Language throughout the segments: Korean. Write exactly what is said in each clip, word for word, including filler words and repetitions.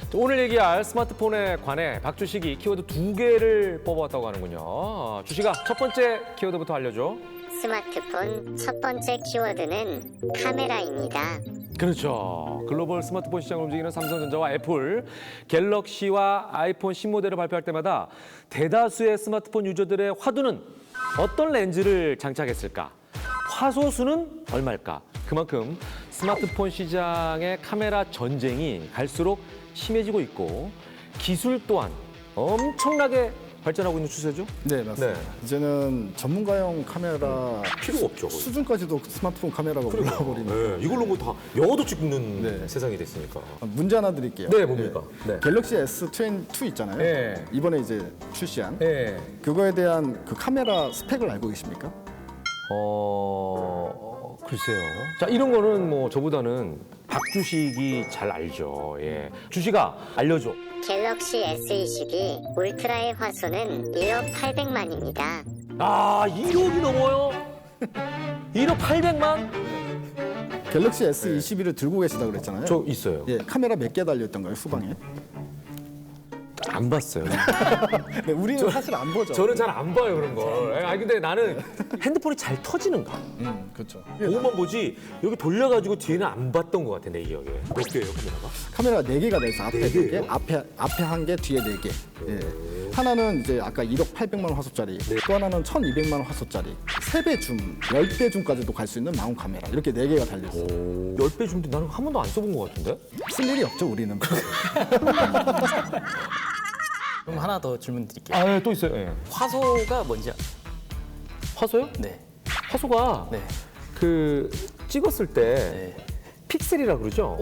오늘 얘기할 스마트폰에 관해 박주식이 키워드 두 개를 뽑아왔다고 하는군요. 주식아, 첫 번째 키워드부터 알려줘. 스마트폰 첫 번째 키워드는 카메라입니다. 그렇죠. 글로벌 스마트폰 시장을 움직이는 삼성전자와 애플, 갤럭시와 아이폰 신모델을 발표할 때마다 대다수의 스마트폰 유저들의 화두는 어떤 렌즈를 장착했을까? 화소수는 얼마일까? 그만큼 스마트폰 시장의 카메라 전쟁이 갈수록 심해지고 있고 기술 또한 엄청나게 발전하고 있는 추세죠? 네, 맞습니다. 네. 이제는 전문가용 카메라 필요가 없죠. 거의. 수준까지도 스마트폰 카메라가 올라버리는. 네, 이걸로 뭐 다 영어도 찍는 네. 세상이 됐으니까. 문제 하나 드릴게요. 네, 뭡니까? 네. 갤럭시 에스 이십이 있잖아요. 네. 이번에 이제 출시한 네. 그거에 대한 그 카메라 스펙을 알고 계십니까? 어, 글쎄요. 자, 이런 거는 뭐 저보다는 박주식이 잘 알죠. 예. 주식아, 알려줘. 갤럭시 에스 이십이 울트라의 화소는 일억 팔백만입니다. 아, 일억이 넘어요? 일억 팔백만? 갤럭시 에스 이십이를 들고 계시다고 그랬잖아요. 저 있어요. 예, 카메라 몇 개 달려있던가요, 후방에? 안 봤어요. 네, 우리는 사실 안 보죠. 저는 잘 안 봐요, 그런 걸. 아, 근데 나는 핸드폰이 잘 터지는가? 음, 그렇죠. 그것만 보지, 여기 돌려가지고 뒤에는 안 봤던 것 같아, 내 기억에. 몇 개예요, 카메라가? 카메라가 네 개가 돼 있어. 앞에 네 네 개, 개예요? 앞에 앞에 한 개, 뒤에 네 개. 예. 하나는 이제 아까 일억 팔백만 원 화소짜리, 또 하나는 천이백만 원 화소짜리, 세 배 줌, 열 배 줌까지도 갈 수 있는 마운트 카메라. 이렇게 네 개가 달려 있어요. 십 배 줌도 나는 한 번도 안 써본 것 같은데? 쓸 일이 없죠, 우리는. 그럼 하나 더 질문 드릴게요. 아, 예, 또 있어요. 예. 화소가 뭔지 아- 화소요? 네. 화소가 네. 그 찍었을 때 네. 픽셀이라 그러죠?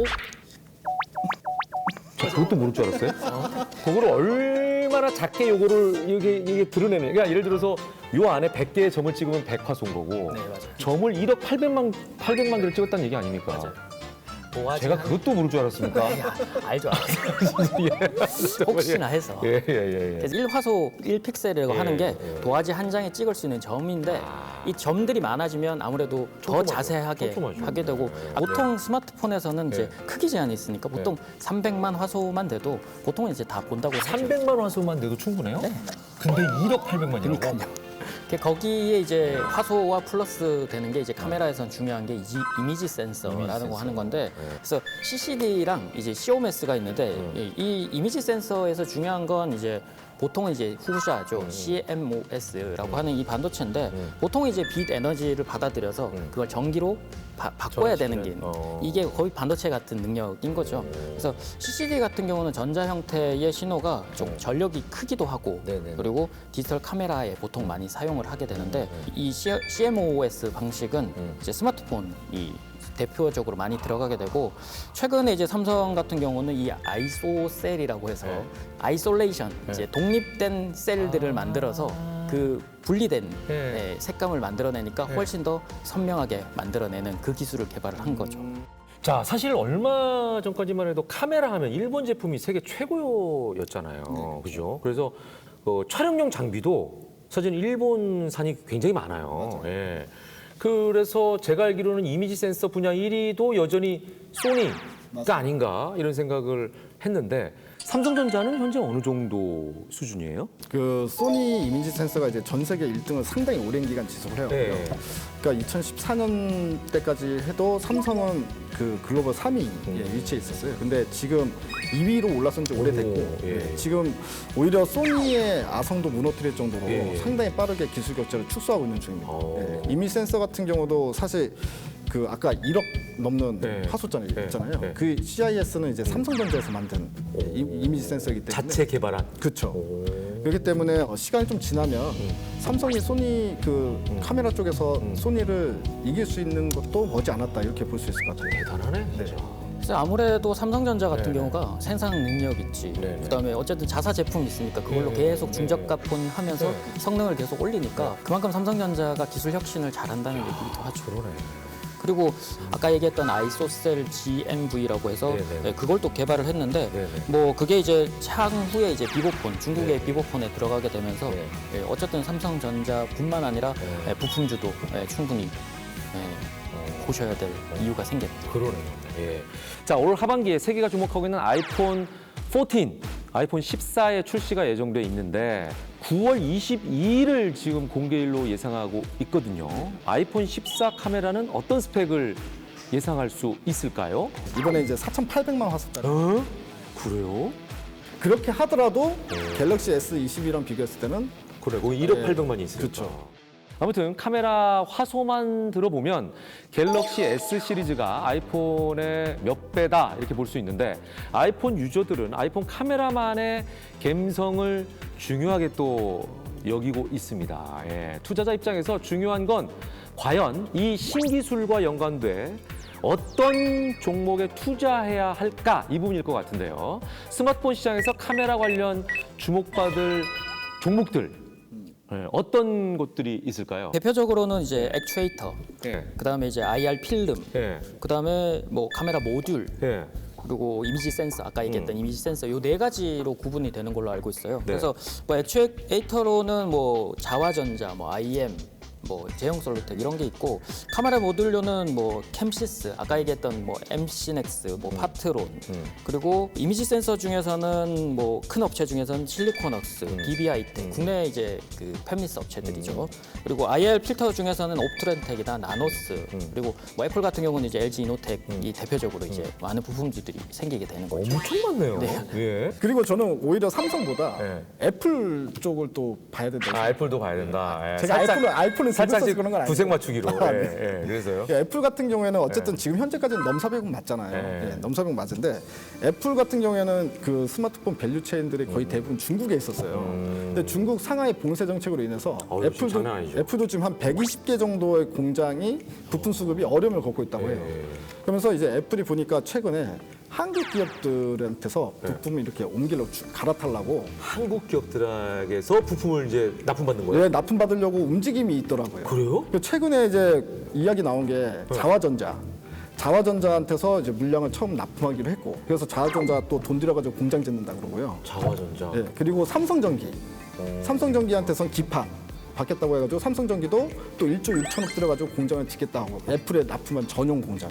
저 그것도 모를 줄 알았어요. 그거를 얼마나 작게 요거를 이게 이게 드러내는. 그러니까 예를 들어서 요 안에 백 개의 점을 찍으면 백 화소인 거고. 네, 맞아요. 점을 일억 팔백만 팔백만 개를 찍었다는 얘기 아닙니까? 맞아요. 도화지 제가 한- 그것도 모를 줄 알았습니까? 야, 알죠, 알죠. 혹시나 해서. 예, 예, 예. 예. 그래서 일 화소 일 픽셀이라고 예, 하는 게 예. 도화지 한 장에 찍을 수 있는 점인데 이 점들이 많아지면 아무래도 더 촘촘하죠. 자세하게 촘촘하죠. 하게 되고 보통 스마트폰에서는 이제 크기 제한이 있으니까 보통 삼백만 화소만 돼도 보통은 이제 다 본다고 하죠. 삼백만 화소만 내도 충분해요? 네. 근데 일억 팔백만이라고? 그러니까요. 그 거기에 이제 화소와 플러스 되는 게 이제 카메라에선 중요한 게 이지, 이미지 센서라는 거 하는 건데 그래서 씨씨디랑 이제 씨오엠에스가 있는데 이, 이 이미지 센서에서 중요한 건 이제 보통은 이제 후샤죠. 씨엠오에스라고 하는 이 반도체인데 보통 이제 빛 에너지를 받아들여서 그걸 전기로 바, 바꿔야 되는 게 어. 이게 거의 반도체 같은 능력인 거죠. 그래서 씨씨디 같은 경우는 전자 형태의 신호가 좀 전력이 크기도 하고 네네. 그리고 디지털 카메라에 보통 많이 사용을 하게 되는데 이 씨엠오에스 방식은 이제 스마트폰이 대표적으로 많이 들어가게 되고 최근에 이제 삼성 같은 경우는 이 아이소셀이라고 해서 아이솔레이션 이제 독립된 셀들을 만들어서 그 분리된 네. 예, 색감을 만들어내니까 훨씬 더 선명하게 만들어내는 그 기술을 개발을 한 거죠. 자, 사실 얼마 전까지만 해도 카메라 하면 일본 제품이 세계 최고였잖아요. 그죠? 그래서 어, 촬영용 장비도 사실 일본산이 굉장히 많아요. 예. 그래서 제가 알기로는 이미지 센서 분야 일 위도 여전히 소니가 맞습니다. 아닌가 이런 생각을 했는데 삼성전자는 현재 어느 정도 수준이에요? 그 소니 이미지 센서가 이제 전 세계 일 등을 상당히 오랜 기간 지속을 해요. 네. 그러니까 이천십사 년 때까지 해도 삼성은 그 글로벌 삼 위에 음. 위치해 있었어요. 근데 지금 이 위로 올라선 지 오래됐고 오, 예. 네, 지금 오히려 소니의 아성도 무너뜨릴 정도로 예, 예. 상당히 빠르게 기술 격차를 축소하고 있는 중입니다. 오. 네, 이미지 센서 같은 경우도 사실 그 아까 일억 넘는 네. 화소짜리 네. 있잖아요. 네. 그 씨아이에스는 이제 삼성전자에서 만든 이- 이미지 센서이기 때문에 자체 개발한. 그렇죠. 그렇기 때문에 어, 시간이 좀 지나면 삼성이 소니 그 카메라 쪽에서 소니를 이길 수 있는 것도 머지 않았다 이렇게 볼 수 있을 것 같아요. 대단하네, 진짜. 그래서 아무래도 삼성전자 같은 네네. 경우가 생산 능력 있지. 네네. 그다음에 어쨌든 자사 제품이 있으니까 그걸로 네네. 계속 중저가폰 하면서 네. 성능을 계속 올리니까 그만큼 삼성전자가 기술 혁신을 잘한다는 얘기도 하죠. 그러네. 그리고 아까 얘기했던 아이소셀 지엠브이라고 해서 네네. 네, 그걸 또 개발을 했는데 네네. 뭐 그게 이제 향후에 이제 비보폰 중국의 네. 비보폰에 들어가게 되면서 네. 예, 어쨌든 삼성전자뿐만 아니라 네. 예, 부품주도 예, 충분히 예, 보셔야 될 이유가 생겼죠. 그러네요. 예. 자, 올 하반기에 세계가 주목하고 있는 아이폰 십사, 아이폰 십사의 출시가 예정돼 있는데 구월 이십이일을 지금 공개일로 예상하고 있거든요. 아이폰 십사 카메라는 어떤 스펙을 예상할 수 있을까요? 이번에 이제 사천팔백만 화소짜리. 어? 그래요? 그렇게 하더라도 갤럭시 에스 이십이랑 비교했을 때는 그래, 거기 일억 네. 팔백만이 있으니까. 그렇죠. 아무튼 카메라 화소만 들어보면 갤럭시 S 시리즈가 아이폰의 몇 배다 이렇게 볼 수 있는데 아이폰 유저들은 아이폰 카메라만의 감성을 중요하게 또 여기고 있습니다. 예, 투자자 입장에서 중요한 건 과연 이 신기술과 연관돼 어떤 종목에 투자해야 할까 이 부분일 것 같은데요. 스마트폰 시장에서 카메라 관련 주목받을 종목들 네, 어떤 것들이 있을까요? 대표적으로는 이제 액추에이터, 예. 그다음에 이제 아이알 필름, 예. 그다음에 뭐 카메라 모듈, 예. 그리고 이미지 센서, 아까 얘기했던 이미지 센서 요 네 가지로 구분이 되는 걸로 알고 있어요. 네. 그래서 뭐 액추에이터로는 뭐 자화전자, 뭐 아이엠, 뭐 제형 솔루텍 이런 게 있고 카메라 모듈로는 뭐 캠시스, 아까 얘기했던 뭐 엠씨넥스, 뭐 파트론, 그리고 이미지 센서 중에서는 뭐 큰 업체 중에서는 실리콘웍스, 디비아이텍, 국내 이제 그 팹리스 업체들이죠. 그리고 아이알 필터 중에서는 옵트렌텍이나 나노스, 그리고 뭐 애플 같은 경우는 이제 엘지 이노텍이 대표적으로 이제 많은 부품주들이 생기게 되는 거죠. 엄청 많네요. 예. 그리고 저는 오히려 삼성보다 네. 애플 쪽을 또 봐야 된다고 아, 애플도 봐야 된다. 예. 제가 아이폰을 아이폰을 살짝 살짝 그런 건 아니에요. 구색 맞추기로. 아, 예, 네. 예. 그래서요. 예, 애플 같은 경우에는 어쨌든 지금 현재까지는 넘사벽은 맞잖아요. 네. 예, 넘사벽 맞은데 애플 같은 경우에는 그 스마트폰 밸류 체인들이 거의 대부분 중국에 있었어요. 근데 중국 상하이 봉쇄 정책으로 인해서 어우, 지금 애플도 장난 아니죠. 애플도 지금 한 백이십 개 정도의 공장이 부품 수급이 어려움을 겪고 있다고 해요. 그러면서 이제 애플이 보니까 최근에 한국 기업들한테서 부품을 이렇게 옮기려고 주- 갈아타려고 한국 기업들에게서 부품을 이제 납품받는 거예요? 왜 납품 받으려고 움직임이 있더라고요. 그래요? 그 최근에 이제 이야기 나온 게 자화전자. 자화전자한테서 이제 물량을 처음 납품하기로 했고, 그래서 자화전자 또 돈 들여가지고 공장 짓는다 그러고요. 자화전자. 예, 그리고 삼성전기. 삼성전기한테선 기판 받겠다고 해가지고 삼성전기도 또 일조 육천억 들여가지고 공장을 짓겠다 하고 애플에 납품한 전용 공장.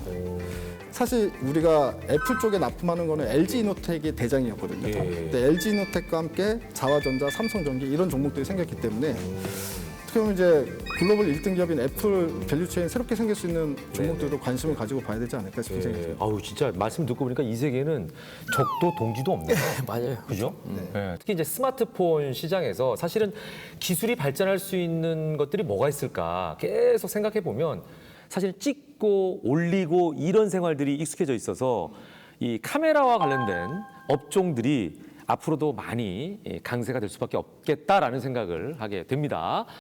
사실 우리가 애플 쪽에 납품하는 거는 엘지 이노텍이 대장이었거든요. 예. 근데 엘지 이노텍과 함께 자화전자, 삼성전기 이런 종목들이 생겼기 때문에 어떻게 보면 이제 글로벌 일 등 기업인 애플 밸류체인 새롭게 생길 수 있는 종목들도 관심을 가지고 봐야 되지 않을까 싶은 생각이 예. 듭니다. 아우 진짜 말씀 듣고 보니까 이 세계는 적도 동지도 없네요. 맞아요. 그죠? 예. 특히 이제 스마트폰 시장에서 사실은 기술이 발전할 수 있는 것들이 뭐가 있을까 계속 생각해 보면 사실 찍고 올리고 이런 생활들이 익숙해져 있어서 이 카메라와 관련된 업종들이 앞으로도 많이 강세가 될 수밖에 없겠다라는 생각을 하게 됩니다.